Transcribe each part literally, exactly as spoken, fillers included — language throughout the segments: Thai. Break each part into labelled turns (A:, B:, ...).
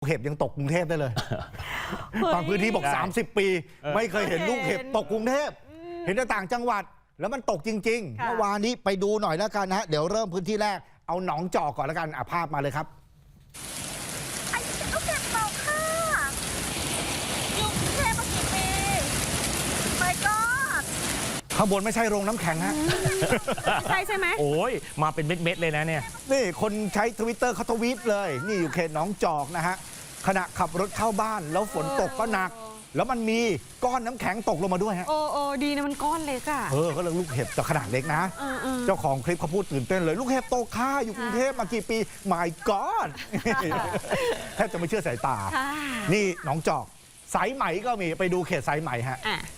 A: เห็บยังตกกรุงเทพได้เลยบางพื้นที่บอกสามสิบปีไม่เคยเห็นลูกเห็บตกกรุงเทพเห็นแต่ต่างจังหวัดแล้วมันตกจริงๆเมื่อวานนี้ไปดูหน่อยแล้วกันนะฮะเดี๋ยวเริ่มพื้นที่แรกเอาหนองจอกก่อนแล้วกันอ่ะภาพมาเลยครับ
B: ไอ้ลูกเห็บตกค่ะอยู่กรุงเทพมากี่ปีไปก็
A: ข้างบนไม่ใช่โรงน้ำแข็งฮะ
B: ใช่ใช่ไหม
C: โอ้ยมาเป็นเม็ดๆเลยนะเนี่ย
A: นี่คนใช้ทวิตเตอร์เขาทวีตเลยนี่อยู่เขตหนองจอกนะฮะขณะขับรถเข้าบ้านแล้วฝนตกก็หนักแล้วมันมีก้อนน้ำแข็งตกลงมาด้วยฮะ
B: โอ้โอ้ดีนะมันก้อนเล็กอ่ะ
A: เออก็เลยลูกเห็บแต่ขนาดเล็กนะเจ้าของคลิปเขาพูดตื่นเต้นเลยลูกเห็บตกค่าอยู่กรุงเทพมากี่ปี my god แทบจะไม่เชื่อสายตานี่หนองจอกสายไหมก็มีไปดูเขตสายไหมฮะ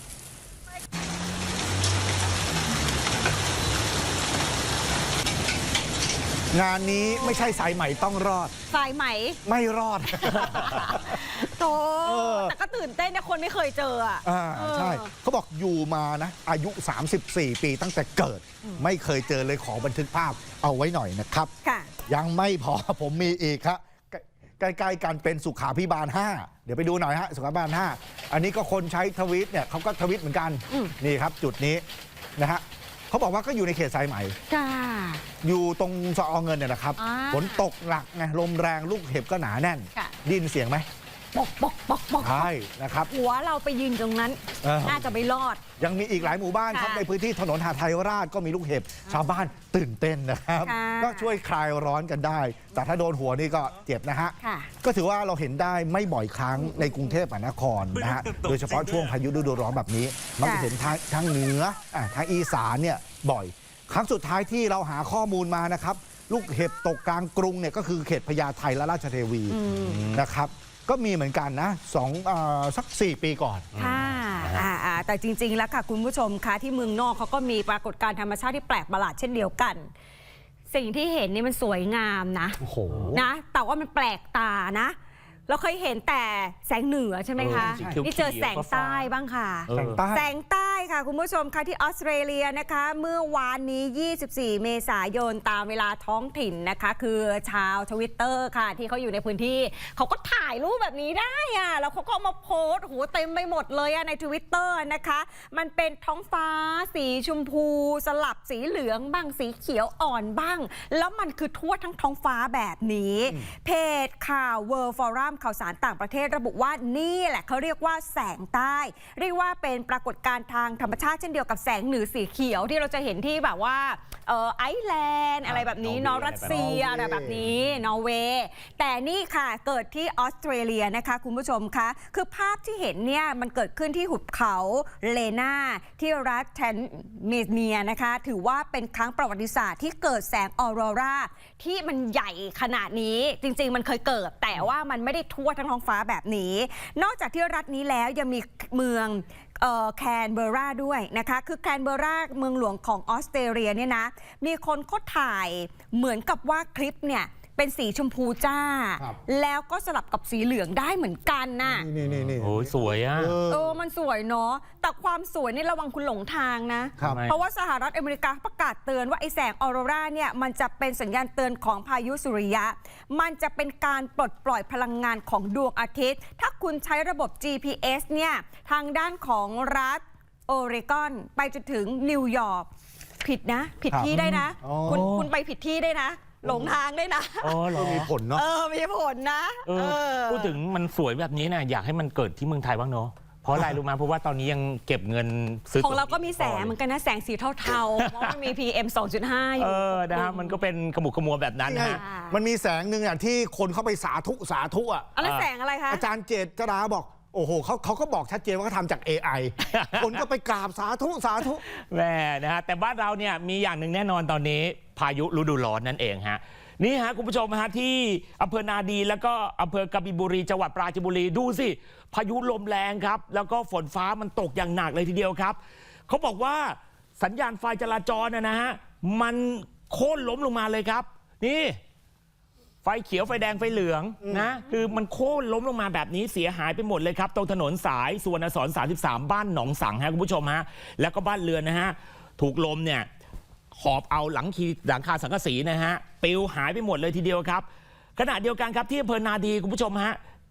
A: งานนี้ไม่ใช่สายไหมต้องรอด
B: สายไหม
A: ไม่รอด
B: โตแต่ก็ตื่นเต้นนะคนไม่เคยเจออ่ะ
A: ใช่เขาบอกอยู่มานะอายุสามสิบสี่ปีตั้งแต่เกิดไม่เคยเจอเลยขอบันทึกภาพเอาไว้หน่อยนะครับยังไม่พอผมมีอีกครับใกล้ๆกันเป็นสุขาภิบาลห้าเดี๋ยวไปดูหน่อยฮะสุขาภิบาลห้าอันนี้ก็คนใช้ทวิตเนี่ยเขาก็ทวิตเหมือนกันนี่ครับจุดนี้นะฮะเขาบอกว่าก็อยู่ในเขตสายไหมอยู่ตรงสอเงินเนี่ยนะครับฝนตกหนักไงลมแรงลูกเห็บก็หนาแน่นดินเสียงไหม
B: ปอกปอกปอกปอก
A: ใช่นะครับ
B: หัวเราไปยืนตรงนั้นน่าจะไม่รอด
A: ยังมีอีกหลายหมู่บ้านครับในพื้นที่ถนนหาดไทยราชก็มีลูกเห็บชาวบ้านตื่นเต้นนะครับก็ช่วยคลายร้อนกันได้แต่ถ้าโดนหัวนี่ก็เจ็บนะฮะก็ถือว่าเราเห็นได้ไม่บ่อยครั้งในกรุงเทพมหานครนะฮะโดยเฉพาะช่วงพายุฤดูร้อนแบบนี้มันจะเห็นทางทางเหนือทางอีสานเนี่ยบ่อยครั้งสุดท้ายที่เราหาข้อมูลมานะครับลูกเห็บตกกลางกรุงเนี่ยก็คือเขตพญาไทและราชเทวีนะครับก็มีเหมือนกันนะสองสักสี่ปีก่อน
B: ค่ะแต่จริงๆแล้วค่ะคุณผู้ชมคะที่เมืองนอกเขาก็มีปรากฏการณ์ธรรมชาติที่แปลกประหลาดเช่นเดียวกันสิ่งที่เห็นนี่มันสวยงามนะนะแต่ว่ามันแปลกตานะเราเคยเห็นแต่แสงเหนือใช่ไหมคะนี่เจอแสงใต้บ้างค่ะแสงใต้ค่ะคุณผู้ชมค่ะที่ออสเตรเลียนะคะเมื่อวานนี้ยี่สิบสี่เมษายนตามเวลาท้องถิ่นนะคะคือชาวทวิตเตอร์ค่ะที่เขาอยู่ในพื้นที่เขาก็ถ่ายรูปแบบนี้ได้อะแล้วเขาก็มาโพสต์โหเต็มไปหมดเลยอะในทวิตเตอร์นะคะมันเป็นท้องฟ้าสีชมพูสลับสีเหลืองบ้างสีเขียวอ่อนบ้างแล้วมันคือทั่วทั้งท้องฟ้าแบบนี้เพจข่าว World Forumข่าวสารต่างประเทศระบุว่านี่แหละเขาเรียกว่าแสงใต้เรียกว่าเป็นปรากฏการณ์ทางธรรมชาติเช่นเดียวกับแสงเหนือสีเขียวที่เราจะเห็นที่แบบว่าเออไอซ์แลนด์อะไรแบบนี้นอร์รัสเซียอะไรแบบนี้นอร์เวย์แต่นี่ค่ะเกิดที่ออสเตรเลียนะคะคุณผู้ชมคะคือภาพที่เห็นเนี่ยมันเกิดขึ้นที่หุบเขาเลนาที่รัฐแทนเมเนียนะคะถือว่าเป็นครั้งประวัติศาสตร์ที่เกิดแสงออโรราที่มันใหญ่ขนาดนี้จริงๆมันเคยเกิดแต่ว่ามันไม่ได้ทั่วทั้งท้องฟ้าแบบนี้นอกจากที่รัฐนี้แล้วยังมีเมืองแคนเบอราด้วยนะคะคือแคนเบอราเมืองหลวงของออสเตรเลียเนี่ยนะมีคนเขาถ่ายเหมือนกับว่าคลิปเนี่ยเป็นสีชมพูจ้าแล้วก็สลับกับสีเหลืองได้เหมือนกันน่ะ
A: นี่นี่นี่
C: โอ้สวยอ่ะ
B: เออมันสวยเนาะแต่ความสวยนี่ระวังคุณหลงทางนะเพราะว่าสหรัฐอเมริกาประกาศเตือนว่าไอแสงออโรราเนี่ยมันจะเป็นสัญญาณเตือนของพายุสุริยะมันจะเป็นการปลดปล่อยพลังงานของดวงอาทิตย์ถ้าคุณใช้ระบบ จี พี เอส เนี่ยทางด้านของรัฐโอเรกอนไปจนถึงนิวยอร์กผิดนะผิดที่ได้นะคุณคุณไปผิดที่ได้นะหลงทางได้นะ
A: อ๋อมีผลเนาะ
B: เออมีผลนะ
C: พูดถึงมันสวยแบบนี้นะอยากให้มันเกิดที่เมืองไทยบ้างเนาะเพราะอะไรรู้ไหมเพราะว่าตอนนี้ยังเก็บเงินซื้อ
B: ของเราก็มีแสงเหมือนกันนะแสงสีเทาๆเพราะมันมี พี เอ็ม สองจุดห้า อยู่
C: เออนะฮะมันก็เป็นขมุกขมัวแบบนั้นนะ
A: มันมีแสงหนึ่งอ่ะที่คนเข้าไปสาธุสาธุอ่ะ
B: อะไรแสงอะไรคะ
A: อาจารย์เจตจราบอกโอ้โหเขาเขาก็บอกชัดเจนว่าเขาทำจาก เอ ไอ คนก็ไปกราบสาธุสาธุ
C: แม่นะฮะแต่บ้านเราเนี่ยมีอย่างหนึ่งแน่นอนตอนนี้พายุฤดูร้อนนั่นเองฮะนี่ฮะคุณผู้ชมฮะที่อำเภอนาดีแล้วก็อำเภอกบินบุรีจังหวัดปราจีนบุรีดูสิพายุลมแรงครับแล้วก็ฝนฟ้ามันตกอย่างหนักเลยทีเดียวครับเขาบอกว่าสัญญาณไฟจราจรนะนะฮะมันโค่นล้มลงมาเลยครับนี่ไฟเขียวไฟแดงไฟเหลืองนะคือมันโค่นล้มลงมาแบบนี้เสียหายไปหมดเลยครับตรงถนนสายสุวรรณสอนสามสิบสามบ้านหนองสังฮะคุณผู้ชมฮะแล้วก็บ้านเรือนนะฮะถูกลมเนี่ยหอบเอาหลังคีหลังคาสังกะสีนะฮะปลิวหายไปหมดเลยทีเดียวครับขณะเดียวกันครับที่อำเภอนาดีคุณผู้ชมฮะ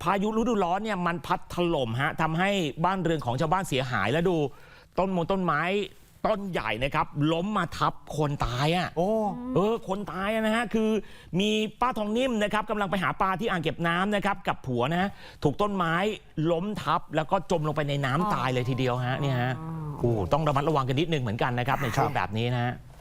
C: พายุฤดูร้อนเนี่ยมันพัดถล่มฮะทำให้บ้านเรือนของชาวบ้านเสียหายแล้วดูต้นมงต้นไม้ต้นใหญ่นะครับล้มมาทับคนตายอ่ะ
A: โอ้
C: เออคนตายนะฮะคือมีป้าทองนิ่มนะครับกำลังไปหาปลาที่อ่างเก็บน้ำนะครับกับผัวนะฮะถูกต้นไม้ล้มทับแล้วก็จมลงไปในน้ำตายเลยทีเดียวฮะเนี่ยฮะโอ้ต้องระมัดระวังกันนิดนึงเหมือนกันนะครับในช่วงแบบนี้นะฮะ